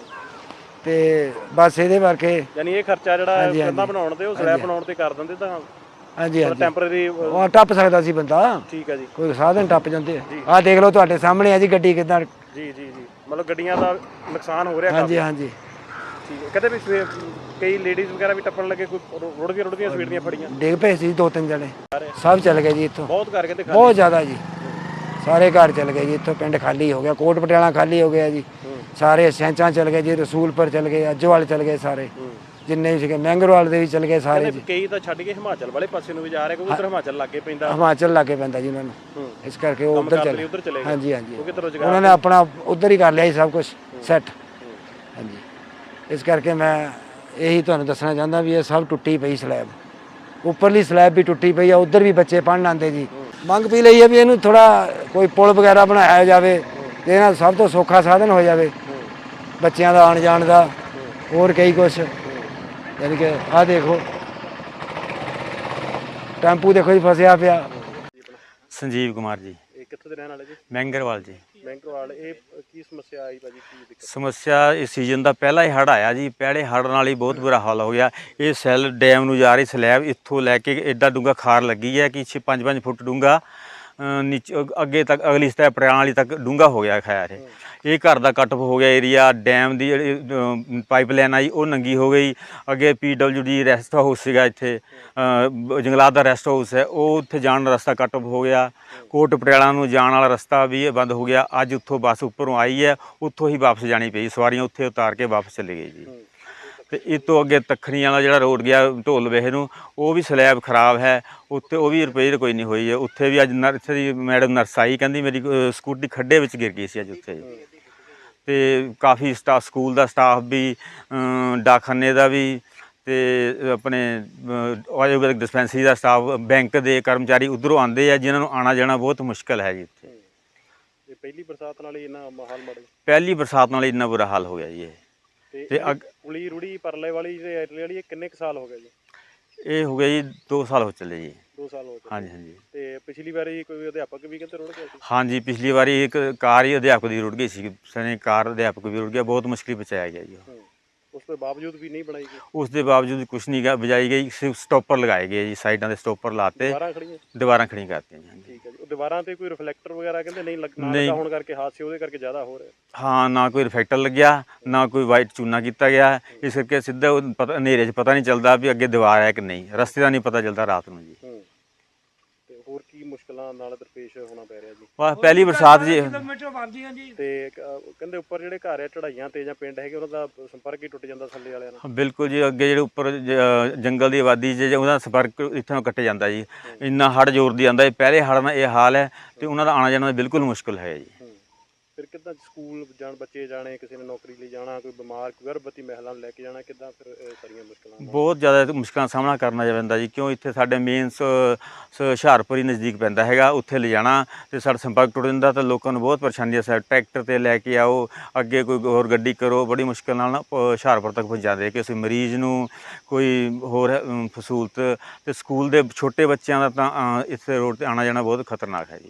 Speaker 4: ਤੇ ਬਸ ਇਹਦੇ ਕਰਕੇ
Speaker 1: ਯਾਨੀ ਇਹ ਖਰਚਾ ਜਿਹੜਾ ਕੰਧਾਂ ਬਣਾਉਣ ਤੇ ਉਹ ਸਲੈਬ ਬਣਾਉਣ ਤੇ ਕਰ ਦਿੰਦੇ ਤਾਂ
Speaker 4: ਹਾਂਜੀ ਹਾਂਜੀ
Speaker 1: ਟੈਂਪਰੇਰੀ
Speaker 4: ਉਹ ਟੱਪ ਸਕਦਾ ਸੀ ਬੰਦਾ।
Speaker 1: ਠੀਕ ਹੈ ਜੀ।
Speaker 4: ਕੋਈ ਸਾਧਨ ਟੱਪ ਜਾਂਦੇ। ਆਹ ਦੇਖ ਲਓ ਤੁਹਾਡੇ ਸਾਹਮਣੇ ਆ ਜੀ ਗੱਡੀ ਕਿੱਦਾਂ।
Speaker 1: ਜੀ ਜੀ ਜੀ, ਮਤਲਬ ਗੱਡੀਆਂ ਦਾ ਨੁਕਸਾਨ ਹੋ ਰਿਹਾ
Speaker 4: ਹਾਂਜੀ ਹਾਂਜੀ।
Speaker 1: ਠੀਕ ਹੈ। ਕਹਿੰਦੇ ਵੀ ਕਈ ਲੇਡੀਜ਼ ਵਗੈਰਾ ਵੀ ਟੱਪਣ ਲੱਗੇ, ਕੋਈ ਰੁੜਦੀਆਂ ਸਵੇਰ ਦੀਆਂ ਫੜੀਆਂ?
Speaker 4: ਡਿੱਗ ਪਏ ਸੀ 2-3 ਜਣੇ, ਸਭ ਚੱਲ ਗਏ ਜੀ ਇੱਥੋਂ।
Speaker 1: ਬਹੁਤ ਕਰਕੇ ਤੇ
Speaker 4: ਬਹੁਤ ਜ਼ਿਆਦਾ ਜੀ, ਸਾਰੇ ਘਰ ਚੱਲ ਗਏ ਜੀ ਇੱਥੋਂ। ਪਿੰਡ ਖਾਲੀ ਹੋ ਗਿਆ, ਕੋਟ ਪਟਿਆਲਾ ਖਾਲੀ ਹੋ ਗਿਆ ਜੀ, ਸਾਰੇ ਸੈਂਚਾਂ ਚੱਲ ਗਏ ਜੀ, ਰਸੂਲਪੁਰ ਚੱਲ ਗਏ, ਅੱਜਵਾਲ ਚੱਲ ਗਏ, ਸਾਰੇ ਜਿੰਨੇ ਵੀ ਸੀਗੇ ਮਹਿੰਗਰਵਾਲ ਦੇ ਵੀ ਚੱਲ ਗਏ ਸਾਰੇ ਜੀ।
Speaker 1: ਕਈ ਤਾਂ ਛੱਡ ਕੇ ਹਿਮਾਚਲ ਵਾਲੇ ਪਾਸੇ ਨੂੰ ਵੀ ਜਾ ਰਹੇ, ਕਿਉਂਕਿ ਉਧਰ ਹਿਮਾਚਲ ਲਾਗੇ ਪੈਂਦਾ।
Speaker 4: ਹਿਮਾਚਲ ਲਾਗੇ ਪੈਂਦਾ ਜੀ ਉਹਨਾਂ ਨੂੰ, ਇਸ ਕਰਕੇ ਉਹ ਉੱਧਰ ਚਲੇ
Speaker 1: ਗਏ।
Speaker 4: ਹਾਂਜੀ ਹਾਂਜੀ, ਉਹਨਾਂ ਨੇ ਆਪਣਾ ਉੱਧਰ ਹੀ ਕਰ ਲਿਆ ਸੀ ਸਭ ਕੁਝ ਸੈੱਟ। ਹਾਂਜੀ, ਇਸ ਕਰਕੇ ਮੈਂ ਇਹੀ ਤੁਹਾਨੂੰ ਦੱਸਣਾ ਚਾਹੁੰਦਾ ਵੀ ਇਹ ਸਭ ਟੁੱਟੀ ਪਈ ਸਲੈਬ, ਉੱਪਰਲੀ ਸਲੈਬ ਵੀ ਟੁੱਟੀ ਪਈ ਆ। ਉੱਧਰ ਵੀ ਬੱਚੇ ਪੜ੍ਹਨ ਆਉਂਦੇ ਜੀ। ਮੰਗ ਵੀ ਲਈ ਹੈ ਵੀ ਇਹਨੂੰ ਥੋੜਾ ਕੋਈ ਪੁਲ ਵਗੈਰਾ ਬਣਾਇਆ ਜਾਵੇ, ਜਿਹਦੇ ਨਾਲ ਸਭ ਤੋਂ ਸੌਖਾ ਸਾਧਨ ਹੋ ਜਾਵੇ ਬੱਚਿਆਂ ਦਾ ਆਉਣ ਜਾਣ ਦਾ, ਹੋਰ ਕਈ ਕੁਛ। ਯਾਨੀ ਕਿ ਆਹ ਦੇਖੋ ਟੈਂਪੂ ਦੇਖੋ ਜੀ ਫਸਿਆ ਪਿਆ।
Speaker 5: ਸੰਜੀਵ ਕੁਮਾਰ ਜੀ।
Speaker 1: ਇਹ ਕਿੱਥੋਂ ਦੇ ਰਹਿਣ ਵਾਲੇ ਜੀ?
Speaker 5: ਮਹਿੰਗਰਵਾਲ ਜੀ।
Speaker 1: ਮਹਿੰਗਰਵਾਲ। ਇਹ ਕੀ ਸਮੱਸਿਆ ਆਈ ਭਾਜੀ, ਕੀ ਦਿੱਕਤ?
Speaker 5: ਸਮੱਸਿਆ ਇਸ ਸੀਜ਼ਨ ਦਾ ਪਹਿਲਾ ਹੀ ਹੜ੍ਹ ਆਇਆ ਜੀ, ਪਹਿਲੇ ਹੜ੍ਹ ਨਾਲ ਹੀ ਬਹੁਤ ਬੁਰਾ ਹਾਲ ਹੋ ਗਿਆ। ਇਹ ਸੈੱਲ ਡੈਮ ਨੂੰ ਜਾ ਰਹੀ ਸਲੈਬ ਇੱਥੋਂ ਲੈ ਕੇ ਐਡਾ ਡੂੰਘਾ ਖਾਰ ਲੱਗੀ ਹੈ ਕਿ 5-5 ਫੁੱਟ ਡੂੰਘਾ, ਨੀਚੇ ਅੱਗੇ ਤੱਕ ਅਗਲੀ ਸਤਹ ਪਰਿਆਣ ਵਾਲੀ ਤੱਕ ਡੂੰਘਾ ਹੋ ਗਿਆ ਖੈਰ। ਇਹ ਘਰ ਦਾ ਕੱਟ ਹੋ ਗਿਆ ਏਰੀਆ। ਡੈਮ ਦੀ ਜਿਹੜੀ ਪਾਈਪਲਾਈਨ ਆਈ ਉਹ ਨੰਗੀ ਹੋ ਗਈ। ਅੱਗੇ PWD ਰੈਸਟ ਹਾਊਸ ਸੀਗਾ ਇੱਥੇ, ਜੰਗਲਾਤ ਦਾ ਰੈਸਟ ਹਾਊਸ ਹੈ, ਉਹ ਉੱਥੇ ਜਾਣ ਦਾ ਰਸਤਾ ਕੱਟ ਹੋ ਗਿਆ। ਕੋਟ ਪਟਿਆਲਾ ਨੂੰ ਜਾਣ ਵਾਲਾ ਰਸਤਾ ਵੀ ਬੰਦ ਹੋ ਗਿਆ। ਅੱਜ ਉੱਥੋਂ ਬੱਸ ਉੱਪਰੋਂ ਆਈ ਹੈ, ਉੱਥੋਂ ਹੀ ਵਾਪਸ ਜਾਣੀ ਪਈ, ਸਵਾਰੀਆਂ ਉੱਥੇ ਉਤਾਰ ਕੇ ਵਾਪਸ ਚਲੇ ਗਏ ਜੀ। ਤੇ ਇਹ ਤੋਂ ਅੱਗੇ ਤਖਣੀਆਂ ਵਾਲਾ ਜਿਹੜਾ ਰੋਡ ਗਿਆ ਢੋਲ ਵੇਹੇ ਨੂੰ, ਉਹ ਵੀ ਸਲੈਬ ਖਰਾਬ ਹੈ, ਉੱਥੇ ਉਹ ਵੀ ਰਿਪੇਅਰ ਕੋਈ ਨਹੀਂ ਹੋਈ ਹੈ। ਉੱਥੇ ਵੀ ਅੱਜ ਨਰਸ ਦੀ ਮੈਡਮ ਨਰਸ ਆਈ, ਕਹਿੰਦੀ ਮੇਰੀ ਸਕੂਟੀ ਖੱਡੇ ਵਿੱਚ ਗਿਰ ਗਈ ਸੀ ਅੱਜ ਉੱਥੇ। ਤੇ ਕਾਫੀ ਸਕੂਲ ਦਾ ਸਟਾਫ ਵੀ, ਡਾਕਖਾਨੇ ਦਾ ਵੀ, ਤੇ ਆਪਣੇ ਆਯੁਰਵੈਦਿਕ ਡਿਸਪੈਂਸਰੀ ਦਾ ਸਟਾਫ, ਬੈਂਕ ਦੇ ਕਰਮਚਾਰੀ ਉੱਧਰੋਂ ਆਉਂਦੇ ਆ, ਜਿਨ੍ਹਾਂ ਨੂੰ ਆਉਣਾ ਜਾਣਾ ਬਹੁਤ ਮੁਸ਼ਕਲ ਹੈ ਜੀ ਇੱਥੇ।
Speaker 1: ਇਹ ਪਹਿਲੀ ਬਰਸਾਤ ਨਾਲ ਹੀ ਇਹਨਾਂ ਮਾਹੌਲ ਮਾੜੇ
Speaker 5: ਪਹਿਲੀ ਬਰਸਾਤ ਨਾਲ ਇੰਨਾ ਬੁਰਾ ਹਾਲ ਹੋ ਗਿਆ ਜੀ ਇਹ।
Speaker 1: ਤੇ ਕੁਲੀ ਰੁੜੀ ਪਰਲੇ ਵਾਲੀ ਤੇ ਐਟਲੇ ਵਾਲੀ ਇਹ ਕਿੰਨੇ ਕੁ ਸਾਲ ਹੋ ਗਏ ਜੀ?
Speaker 5: ਇਹ ਹੋ ਗਿਆ ਜੀ 2 ਸਾਲ ਹੋ ਚੱਲੇ ਜੀ।
Speaker 1: 2 ਸਾਲ ਹੋ ਗਏ।
Speaker 5: ਹਾਂਜੀ ਹਾਂਜੀ।
Speaker 1: ਤੇ ਪਿਛਲੀ ਵਾਰੀ ਕੋਈ ਅਧਿਆਪਕ ਵੀ ਕਹਿੰਦੇ ਰੁੜ ਗਿਆ ਸੀ?
Speaker 5: ਹਾਂਜੀ, ਪਿਛਲੀ ਵਾਰੀ ਇੱਕ ਕਾਰ ਹੀ ਅਧਿਆਪਕ ਦੀ ਰੁੜ ਗਈ ਸੀ, ਸਣੇ ਕਾਰ ਅਧਿਆਪਕ ਵੀ ਰੁੜ ਗਿਆ, ਬਹੁਤ ਮੁਸ਼ਕਿਲ ਬਚਾਇਆ ਗਿਆ ਜੀ।
Speaker 1: ਉਸ ਤੋਂ ਬਾਵਜੂਦ ਵੀ ਨਹੀਂ ਬਣਾਈ ਗਈ?
Speaker 5: ਉਸ ਦੇ ਬਾਵਜੂਦ ਕੁਛ ਨਹੀਂ ਗਾ ਬਜਾਈ ਗਈ, ਸਿਰਫ ਸਟੋਪਰ ਲਗਾਏ ਗਏ ਜੀ, ਸਾਈਡਾਂ ਦੇ ਸਟੋਪਰ ਲਾਤੇ, ਦੀਵਾਰਾਂ ਖੜੀਆਂ ਕਰਤੀਆਂ ਜੀ।
Speaker 1: ਠੀਕ ਹੈ ਜੀ। ਉਹ ਦੀਵਾਰਾਂ ਤੇ ਕੋਈ ਰਿਫਲੈਕਟਰ ਵਗੈਰਾ ਕਹਿੰਦੇ ਨਹੀਂ ਲੱਗਾ ਹੋਣ ਕਰਕੇ ਹਾਦਸੇ ਉਹਦੇ ਕਰਕੇ ਜ਼ਿਆਦਾ ਹੋ ਰਹੇ?
Speaker 5: ਹਾਂ, ਨਾ ਕੋਈ ਰਿਫਲੈਕਟਰ ਲੱਗਿਆ, ਨਾ ਕੋਈ ਵਾਈਟ ਚੂਨਾ ਕੀਤਾ ਗਿਆ, ਇਸ ਕਰਕੇ ਸਿੱਧਾ ਹਨੇਰੇ 'ਚ ਪਤਾ ਨਹੀਂ ਚੱਲਦਾ ਵੀ ਅੱਗੇ ਦੀਵਾਰ ਹੈ ਕਿ ਨਹੀਂ, ਰਸਤੇ ਦਾ ਨਹੀਂ ਪਤਾ ਚੱਲਦਾ ਰਾਤ ਨੂੰ ਜੀ।
Speaker 1: ਤੇ ਹੋਰ ਕੀ ਮੁਸ਼ਕਲਾਂ ਨਾਲ ਦਰਪੇਸ਼ ਹੋਣਾ ਪੈ ਰਿਹਾ ਜੀ?
Speaker 5: ਬਸ ਪਹਿਲੀ ਬਰਸਾਤ ਜੀ।
Speaker 1: ਤੇ ਕਹਿੰਦੇ ਉੱਪਰ ਜਿਹੜੇ ਘਰ ਆ ਚੜਾਈਆਂ ਤੇ ਜਾਂ ਪਿੰਡ ਹੈਗੇ ਉਹਨਾਂ ਦਾ ਸੰਪਰਕ ਹੀ ਟੁੱਟ ਜਾਂਦਾ ਥੱਲੇ ਵਾਲਿਆਂ ਨਾਲ?
Speaker 5: ਬਿਲਕੁਲ ਜੀ, ਅੱਗੇ ਜਿਹੜੇ ਉੱਪਰ ਜੰਗਲ ਦੀ ਆਬਾਦੀ 'ਚ ਉਹਦਾ ਸੰਪਰਕ ਇੱਥੋਂ ਕੱਟ ਜਾਂਦਾ ਜੀ, ਇੰਨਾ ਹੜ੍ਹ ਜ਼ੋਰ ਦੀ ਆਉਂਦਾ, ਪਹਿਲੇ ਹੜ੍ਹ ਨਾਲ ਇਹ ਹਾਲ ਹੈ, ਤੇ ਉਹਨਾਂ ਦਾ ਆਉਣਾ ਜਾਣਾ ਬਿਲਕੁਲ ਮੁਸ਼ਕਲ ਹੈ ਜੀ।
Speaker 1: ਫਿਰ ਕਿੱਦਾਂ ਸਕੂਲ ਜਾਣ ਬੱਚੇ ਜਾਣੇ, ਕਿਸੇ ਨੇ ਨੌਕਰੀ ਲਈ ਜਾਣਾ, ਕੋਈ ਬਿਮਾਰ, ਕੋਈ ਗਰਭਵਤੀ ਮਹਿਲਾ ਨੂੰ ਲੈ ਕੇ ਜਾਣਾ, ਕਿੱਦਾਂ ਫਿਰ ਸਾਰੀਆਂ ਮੁਸ਼ਕਲਾਂ?
Speaker 5: ਬਹੁਤ ਜ਼ਿਆਦਾ ਮੁਸ਼ਕਲਾਂ ਦਾ ਸਾਹਮਣਾ ਕਰਨਾ ਪੈਂਦਾ ਜੀ, ਕਿਉਂ ਇੱਥੇ ਸਾਡੇ ਮੇਨ ਹੁਸ਼ਿਆਰਪੁਰ ਹੀ ਨਜ਼ਦੀਕ ਪੈਂਦਾ ਹੈਗਾ, ਉੱਥੇ ਲਿਜਾਣਾ ਤੇ ਸਾਡਾ ਸੰਪਰਕ ਟੁੱਟ ਜਾਂਦਾ, ਤਾਂ ਲੋਕਾਂ ਨੂੰ ਬਹੁਤ ਪਰੇਸ਼ਾਨੀ ਹੈ। ਟਰੈਕਟਰ 'ਤੇ ਲੈ ਕੇ ਆਓ, ਅੱਗੇ ਕੋਈ ਹੋਰ ਗੱਡੀ ਕਰੋ, ਬੜੀ ਮੁਸ਼ਕਲ ਨਾਲ ਹੁਸ਼ਿਆਰਪੁਰ ਤੱਕ ਪਹੁੰਚਾਉਂਦੇ, ਕਿਸੇ ਮਰੀਜ਼ ਨੂੰ ਕੋਈ ਹੋਰ ਸਹੂਲਤ। ਤੇ ਸਕੂਲ ਦੇ ਛੋਟੇ ਬੱਚਿਆਂ ਦਾ ਤਾਂ ਇੱਥੇ ਰੋਡ 'ਤੇ ਆਉਣਾ ਜਾਣਾ ਬਹੁਤ ਖਤਰਨਾਕ ਹੈ ਜੀ।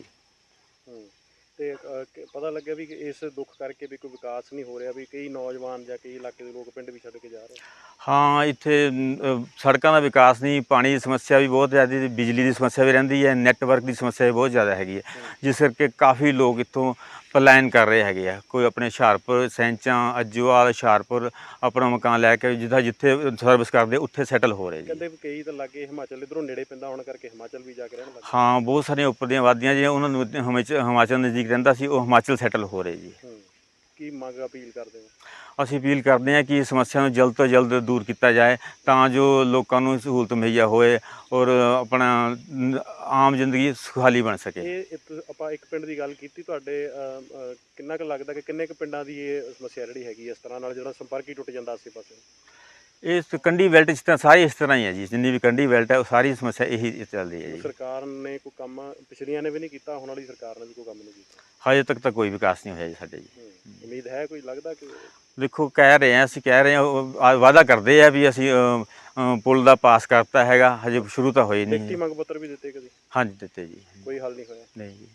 Speaker 1: ਤੇ ਪਤਾ ਲੱਗਿਆ ਵੀ ਇਸ ਦੁੱਖ ਕਰਕੇ ਵੀ ਕੋਈ ਵਿਕਾਸ ਨਹੀਂ ਹੋ ਰਿਹਾ, ਵੀ ਕਈ ਨੌਜਵਾਨ ਜਾਂ ਕਈ ਇਲਾਕੇ ਦੇ ਲੋਕ ਪਿੰਡ ਵੀ ਛੱਡ ਕੇ ਜਾ ਰਹੇ?
Speaker 5: ਹਾਂ, ਇੱਥੇ ਸੜਕਾਂ ਦਾ ਵਿਕਾਸ ਨਹੀਂ, ਪਾਣੀ ਦੀ ਸਮੱਸਿਆ ਵੀ ਬਹੁਤ ਜ਼ਿਆਦਾ, ਬਿਜਲੀ ਦੀ ਸਮੱਸਿਆ ਵੀ ਰਹਿੰਦੀ ਹੈ, ਨੈੱਟਵਰਕ ਦੀ ਸਮੱਸਿਆ ਵੀ ਬਹੁਤ ਜ਼ਿਆਦਾ ਹੈਗੀ ਹੈ, ਜਿਸ ਕਰਕੇ ਕਾਫੀ ਲੋਕ ਇੱਥੋਂ ਪਲਾਇਨ ਕਰ ਰਹੇ ਹੈਗੇ ਆ। ਕੋਈ ਆਪਣੇ ਹੁਸ਼ਿਆਰਪੁਰ, ਸੈਂਚਾਂ, ਅੱਜੂਵਾਲ, ਹੁਸ਼ਿਆਰਪੁਰ ਆਪਣਾ ਮਕਾਨ ਲੈ ਕੇ ਜਿੱਥੇ ਸਰਵਿਸ ਕਰਦੇ ਉੱਥੇ ਸੈਟਲ ਹੋ ਰਹੇ ਜੀ।
Speaker 1: ਕਹਿੰਦੇ ਕਈ ਤਾਂ ਲਾਗੇ ਹਿਮਾਚਲ ਇੱਧਰੋਂ ਨੇੜੇ ਪੈਂਦਾ ਹੋਣ ਕਰਕੇ ਹਿਮਾਚਲ ਵੀ ਜਾ ਕੇ ਰਹਿਣ ਲੱਗੇ?
Speaker 5: ਹਾਂ, ਬਹੁਤ ਸਾਰੀਆਂ ਉੱਪਰ ਦੀਆਂ ਵਾਦੀਆਂ ਜਿਹੜੀਆਂ ਉਹਨਾਂ ਨੂੰ ਹਿਮਾਚਲ ਨਜ਼ਦੀਕ ਰਹਿੰਦਾ ਸੀ, ਉਹ ਹਿਮਾਚਲ ਸੈਟਲ ਹੋ ਰਹੇ ਜੀ।
Speaker 1: ਕੀ ਮੰਗ ਅਪੀਲ ਕਰਦੇ ਹੋ?
Speaker 5: ਅਸੀਂ ਅਪੀਲ ਕਰਦੇ ਹਾਂ ਕਿ ਸਮੱਸਿਆ ਨੂੰ ਜਲਦ ਤੋਂ ਜਲਦ ਦੂਰ ਕੀਤਾ ਜਾਏ, ਤਾਂ ਜੋ ਲੋਕਾਂ ਨੂੰ ਸਹੂਲਤ ਮੁਹੱਈਆ ਹੋਏ ਔਰ ਆਪਣਾ ਆਮ ਜ਼ਿੰਦਗੀ ਸੁਖਾਲੀ ਬਣ ਸਕੇ।
Speaker 1: ਇਹ ਆਪਾਂ ਇੱਕ ਪਿੰਡ ਦੀ ਗੱਲ ਕੀਤੀ, ਤੁਹਾਡੇ ਕਿੰਨਾ ਕੁ ਲੱਗਦਾ ਕਿ ਕਿੰਨੇ ਕੁ ਪਿੰਡਾਂ ਦੀ ਇਹ ਸਮੱਸਿਆ ਜਿਹੜੀ ਹੈਗੀ ਇਸ ਤਰ੍ਹਾਂ ਨਾਲ, ਜਿਹੜਾ ਸੰਪਰਕ ਹੀ ਟੁੱਟ ਜਾਂਦਾ ਆਸੇ ਪਾਸੇ?
Speaker 5: ਇਸ ਕੰਢੀ ਬੈਲਟ ਜਿਸ ਤਰ੍ਹਾਂ ਸਾਰੀ ਇਸ ਤਰ੍ਹਾਂ ਹੀ ਹੈ ਜੀ, ਜਿੰਨੀ ਵੀ ਕੰਢੀ ਬੈਲਟ ਹੈ ਉਹ ਸਾਰੀ ਸਮੱਸਿਆ ਇਹੀ ਚੱਲਦੀ ਹੈ ਜੀ।
Speaker 1: ਸਰਕਾਰ ਨੇ ਕੋਈ ਕੰਮ ਪਿਛਲੀਆਂ ਨੇ ਵੀ ਨਹੀਂ ਕੀਤਾ, ਹੁਣ ਵਾਲੀ ਸਰਕਾਰ ਨੇ ਵੀ ਕੋਈ ਕੰਮ ਨਹੀਂ ਕੀਤਾ?
Speaker 5: ਹਜੇ ਤੱਕ ਤਾਂ ਕੋਈ ਵਿਕਾਸ ਨਹੀਂ ਹੋਇਆ ਜੀ ਸਾਡੇ ਜੀ।
Speaker 1: ਉਮੀਦ ਹੈ ਕੋਈ, ਲੱਗਦਾ ਕਿ?
Speaker 5: ਦੇਖੋ, ਅਸੀਂ ਕਹਿ ਰਹੇ ਹਾਂ, ਵਾਅਦਾ ਕਰਦੇ ਆ ਵੀ ਅਸੀਂ ਪੁਲ ਦਾ ਪਾਸ ਕਰਤਾ ਹੈਗਾ, ਹਜੇ ਸ਼ੁਰੂ ਤਾਂ ਹੋਈ ਨਹੀਂ।
Speaker 1: ਲਿਖਤੀ ਮੰਗ ਪੱਤਰ ਵੀ ਦਿੱਤੇ ਕਦੇ?
Speaker 5: ਹਾਂਜੀ, ਦਿੱਤੇ ਜੀ।
Speaker 1: ਕੋਈ ਹੱਲ ਨਹੀਂ ਹੋਇਆ?
Speaker 5: ਨਹੀਂ ਜੀ।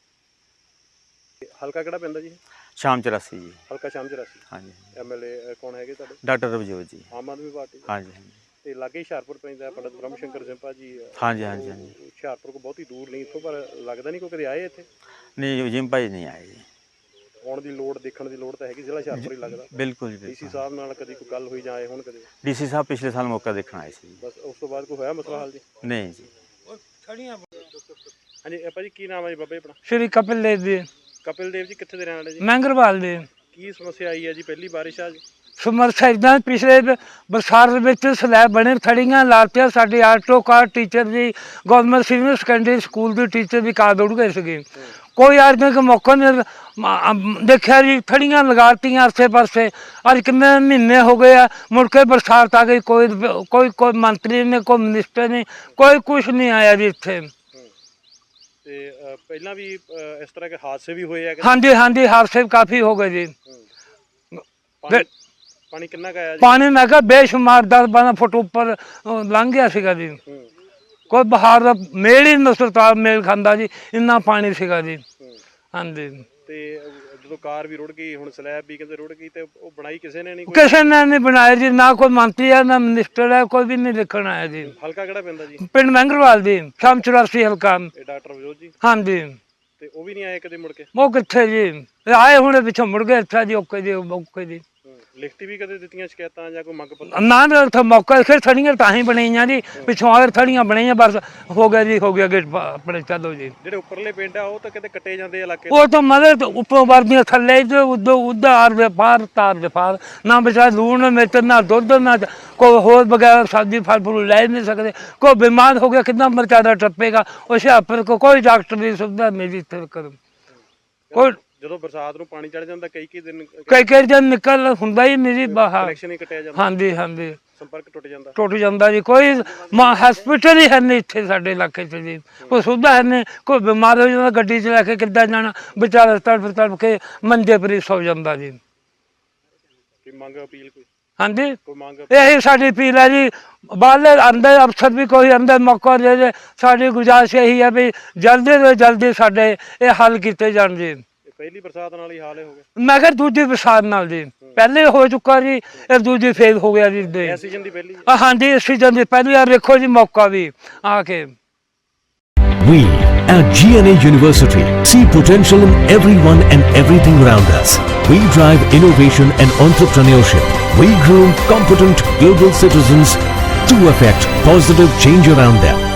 Speaker 1: ਹਲਕਾ ਕਿਹੜਾ ਪੈਂਦਾ ਜੀ?
Speaker 5: ਸ਼ਾਮ 84 ਜੀ।
Speaker 1: ਹਲਕਾ ਸ਼ਾਮ 84।
Speaker 5: ਹਾਂਜੀ।
Speaker 1: ਐਮਐਲਏ ਕੌਣ ਹੈਗੇ ਤੁਹਾਡੇ?
Speaker 5: ਡਾਕਟਰ ਰਵਜੋਤ ਜੀ,
Speaker 1: ਆਮ ਆਦਮੀ ਪਾਰਟੀ?
Speaker 5: ਹਾਂਜੀ।
Speaker 1: ਤੇ ਲਾਗੇ ਹੁਸ਼ਿਆਰਪੁਰ ਪੈਂਦਾ, ਪੰਡਤ ਬ੍ਰਹਮ ਸ਼ੰਕਰ ਜ਼ਿੰਪਾ ਜੀ?
Speaker 5: ਹਾਂਜੀ ਹਾਂਜੀ ਹਾਂਜੀ।
Speaker 1: ਹੁਸ਼ਿਆਰਪੁਰ ਕੋ ਬਹੁਤੀ ਦੂਰ ਨਹੀਂ ਇੱਥੋਂ, ਪਰ ਲੱਗਦਾ ਨਹੀਂ ਕੋਈ ਕਦੇ ਆਏ ਇੱਥੇ?
Speaker 5: ਨਹੀਂ, ਜ਼ਿੰਪਾ ਜੀ ਨਹੀਂ ਆਏ ਜੀ।
Speaker 1: ਆਉਣ ਦੀ ਲੋੜ, ਦੇਖਣ ਦੀ ਲੋੜ ਤਾਂ ਹੈਗੀ, ਜ਼ਿਲ੍ਹਾ ਹੁਸ਼ਿਆਰਪੁਰ ਹੀ ਲੱਗਦਾ।
Speaker 5: ਬਿਲਕੁਲ ਜੀ।
Speaker 1: ਡੀਸੀ ਸਾਹਿਬ ਨਾਲ ਕਦੀ ਕੋਈ ਗੱਲ ਹੋਈ ਜਾਂ ਆਏ ਹੁਣ ਕਦੇ?
Speaker 5: ਡੀਸੀ ਸਾਹਿਬ ਪਿਛਲੇ ਸਾਲ ਮੌਕਾ ਦੇਖਣ ਆਏ ਸੀ।
Speaker 1: ਬਸ ਉਸ ਤੋਂ ਬਾਅਦ ਕੋਈ ਹੋਇਆ ਮਸਲਾ ਹੱਲ ਜੀ?
Speaker 5: ਨਹੀਂ ਜੀ।
Speaker 1: ਹਾਂਜੀ ਭਾਜੀ, ਕੀ ਨਾਮ ਹੈ ਜੀ ਬਾਬਾ ਜੀ ਆਪਣਾ?
Speaker 6: ਸ਼੍ਰੀ ਕਪਿਲ ਦੇਵ ਜੀ।
Speaker 1: ਕਪਿਲ ਦੇਵ ਜੀ ਕਿੱਥੇ ਦੇ ਰਹਿਣ ਵਾਲੇ ਜੀ?
Speaker 6: ਮਹਿੰਗਰਵਾਲ ਦੇ।
Speaker 1: ਕੀ ਸਮੱਸਿਆ ਆਈ ਹੈ ਜੀ? ਪਹਿਲੀ ਬਾਰਿਸ਼ ਆ ਜੀ?
Speaker 6: ਸਮੱਸਿਆ ਇੱਦਾਂ, ਪਿਛਲੇ ਬਰਸਾਤ ਵਿੱਚ ਸਲੈਬ ਬਣੇ, ਥੜੀਆਂ ਲਾਤੀਆਂ, ਸਾਡੇ auto car teacher ji, government senior secondary school ਦੇ ਟੀਚਰ ਵੀ ਕਾਰ ਦੌੜ ਗਏ ਸੀਗੇ। ਕੋਈ ਅੱਜ ਤੱਕ ਮੌਕਾ ਨਹੀਂ ਦੇਖਿਆ ਜੀ, ਥੜੀਆਂ ਲਗਾਤੀਆਂ ਆਸੇ ਪਾਸੇ, ਅੱਜ ਕਿੰਨੇ ਮਹੀਨੇ ਹੋ ਗਏ ਆ, ਮੁੜ ਕੇ ਬਰਸਾਤ ਆ ਗਈ, ਕੋਈ ਮੰਤਰੀ ਨੇ, ਕੋਈ ਮਿਨਿਸਟਰ ਨੇ, ਕੋਈ ਕੁਛ ਨਹੀਂ ਆਇਆ ਜੀ ਇੱਥੇ।
Speaker 1: ਤੇ ਪਹਿਲਾਂ ਵੀ ਇਸ ਤਰ੍ਹਾਂ ਦੇ ਹਾਦਸੇ ਵੀ ਹੋਏ ਆ?
Speaker 6: ਹਾਂਜੀ ਹਾਂਜੀ, ਹਾਦਸੇ ਕਾਫੀ ਹੋ ਗਏ ਜੀ।
Speaker 1: ਪਾਣੀ ਕਿੰਨਾ ਕੁ ਆਇਆ ਜੀ?
Speaker 6: ਪਾਣੀ ਮੈਂ ਕਿਹਾ ਬੇਸ਼ੁਮਾਰ 10-12 ਫੁੱਟ ਉੱਪਰ ਲੰਘ ਗਿਆ ਸੀਗਾ ਜੀ। ਕੋਈ ਬਹਾਰ ਦਾ ਮੇਲ ਹੀ ਨਸਰਤਾਲ ਮੇਲ ਖਾਂਦਾ ਜੀ, ਇੰਨਾ ਪਾਣੀ ਸੀਗਾ ਜੀ। ਹਾਂਜੀ।
Speaker 1: ਤੇ ਜਦੋਂ ਕਾਰ ਵੀ ਰੁੜ ਗਈ, ਹੁਣ ਸਲੈਬ ਵੀ ਕਹਿੰਦੇ ਰੁੜ ਗਈ, ਤੇ ਉਹ ਬਣਾਈ ਕਿਸੇ ਨੇ ਨਹੀਂ?
Speaker 6: ਕਿਸੇ ਨੇ ਨਹੀਂ ਬਣਾਇਆ ਜੀ, ਨਾ ਕੋਈ ਮੰਤਰੀ ਆ, ਨਾ ਮਿਨਿਸਟਰ ਹੈ, ਕੋਈ ਵੀ ਨਹੀਂ ਦੇਖਣ ਆਇਆ ਜੀ।
Speaker 1: ਹਲਕਾ ਕਿਹੜਾ ਪੈਂਦਾ ਜੀ?
Speaker 6: ਪਿੰਡ ਮਹਿੰਗਰਵਾਲ ਦੀ, ਸ਼ਾਮ 84 ਹਲਕਾ।
Speaker 1: ਇਹ ਡਾਕਟਰ ਵਿਜੋਤ ਜੀ?
Speaker 6: ਹਾਂਜੀ।
Speaker 1: ਤੇ ਉਹ ਵੀ ਨਹੀਂ ਆਏ ਕਦੇ ਮੁੜ ਕੇ?
Speaker 6: ਉਹ ਕਿੱਥੇ ਜੀ, ਆਏ ਹੁਣੇ ਪਿੱਛੋਂ ਮੁੜ ਗਏ ਇੱਥੇ ਜੀ। ਓਕੇ ਜੀ, ਓਕੇ ਜੀ।
Speaker 1: ਲਿਖਤੀ ਵੀ ਕਦੇ ਦਿੱਤੀਆਂ ਸ਼ਿਕਾਇਤਾਂ ਜਾਂ ਕੋਈ ਮੰਗ ਪੱਤਰ?
Speaker 6: ਨਾ ਉੱਥੇ ਮੌਕਾ, ਫਿਰ ਥੜੀਆਂ ਤਾਂ ਹੀ ਬਣਾਈਆਂ ਜੀ, ਪਿੱਛੋਂ ਆ ਥੜੀਆਂ ਬਣਾਈਆਂ, ਬਸ ਹੋ ਗਿਆ ਜੀ, ਹੋ ਗਿਆ ਗੇਟ ਆਪਣੇ, ਚਲੋ ਜੀ।
Speaker 1: ਜਿਹੜੇ ਉੱਪਰਲੇ ਪਿੰਡ ਆ ਉਹ ਤਾਂ ਕਿਤੇ ਕੱਟੇ ਜਾਂਦੇ ਇਲਾਕੇ?
Speaker 6: ਉਹ ਤਾਂ ਮਤਲਬ ਉੱਪਰੋਂ ਵਰਦੀਆਂ ਥੱਲੇ ਉਧਾਰ ਵਪਾਰ, ਤਾਰ ਵਪਾਰ, ਨਾ ਬਚਾ ਲੂਣ ਮਿਰਚ, ਨਾ ਦੁੱਧ, ਨਾ ਕੋਈ ਹੋਰ ਵਗੈਰਾ ਸਬਜ਼ੀ ਫਲ ਫੁੱਲ ਲੈ ਨਹੀਂ ਸਕਦੇ। ਕੋਈ ਬਿਮਾਰ ਹੋ ਗਿਆ, ਕਿੰਨਾ ਮਰਚਾਦਾ ਟੱਪੇਗਾ? ਉਹ ਹੁਸ਼ਿਆਰਪੁਰ ਕੋ ਕੋਈ ਡਾਕਟਰ ਦੀ ਸੁਵਿਧਾ ਮਿਲੀ ਇੱਥੇ ਕੋਈ?
Speaker 1: ਜਦੋਂ ਬਰਸਾਤ ਨੂੰ ਪਾਣੀ ਚੜ ਜਾਂਦਾ, ਕਈ ਦਿਨ
Speaker 6: ਕਈ ਦਿਨ ਨਿਕਲ ਹੁੰਦਾ ਹੀ ਨਹੀਂ ਜੀ ਬਾਹਰ।
Speaker 1: ਕਨੈਕਸ਼ਨ ਹੀ ਕੱਟਿਆ ਜਾਂਦਾ?
Speaker 6: ਹਾਂਜੀ ਹਾਂਜੀ।
Speaker 1: ਸੰਪਰਕ ਟੁੱਟ ਜਾਂਦਾ।
Speaker 6: ਟੁੱਟ ਜਾਂਦਾ ਜੀ। ਕੋਈ ਹਸਪੀਟਲ ਹੀ ਹੈ ਨਹੀਂ ਇੱਥੇ ਸਾਡੇ ਇਲਾਕੇ 'ਚ ਜੀ, ਕੋਈ ਸੁਵਿਧਾ ਹੈ ਨਹੀਂ। ਕੋਈ ਬਿਮਾਰ ਹੋ ਜਾਂਦਾ ਗੱਡੀ 'ਚ ਲੈ ਕੇ ਕਿੱਦਾਂ ਜਾਣਾ, ਵਿਚਾਰਾ ਤੜਫ ਤੜਫ ਕੇ ਮੰਜੇ ਪਰ ਹੀ ਸੌ ਜਾਂਦਾ ਜੀ।
Speaker 1: ਕੋਈ ਮੰਗ ਅਪੀਲ ਕੋਈ?
Speaker 6: ਹਾਂਜੀ,
Speaker 1: ਕੋਈ ਮੰਗ
Speaker 6: ਇਹੀ ਸਾਡੀ ਅਪੀਲ ਹੈ ਜੀ। ਬਾਹਰਲੇ ਅੰਦਰ ਅਫਸਰ ਵੀ ਕੋਈ ਅੰਦਰ ਮੌਕਾ ਦੇ ਦੇ। ਸਾਡੀ ਗੁਜ਼ਾਰਿਸ਼ ਇਹੀ ਹੈ ਵੀ ਜਲਦੀ ਤੋਂ ਜਲਦੀ ਸਾਡੇ ਇਹ ਹੱਲ ਕੀਤੇ ਜਾਣ ਜੀ।
Speaker 1: ਪਹਿਲੀ ਬਰਸਾਤ ਨਾਲ ਹੀ ਹਾਲ ਹੋ ਗਿਆ।
Speaker 6: ਮੈਂ ਕਿਹਾ ਦੂਜੀ ਬਰਸਾਤ ਨਾਲ ਜੀ, ਪਹਿਲੇ ਹੋ ਚੁੱਕਾ ਜੀ, ਇਹ ਦੂਜੀ ਫੇਰ ਹੋ ਗਿਆ ਜੀ।
Speaker 1: ਇਸ ਸੀਜ਼ਨ ਦੀ ਪਹਿਲੀ?
Speaker 6: ਹਾਂਜੀ, ਇਸ ਸੀਜ਼ਨ ਦੀ ਪਹਿਲੀ ਵਾਰ ਵੇਖੋ ਜੀ ਮੌਕਾ ਵੀ ਆ ਕੇ।
Speaker 7: We at GNA University see potential in everyone and everything around us. We drive innovation and entrepreneurship. We groom competent global citizens to affect positive change around them.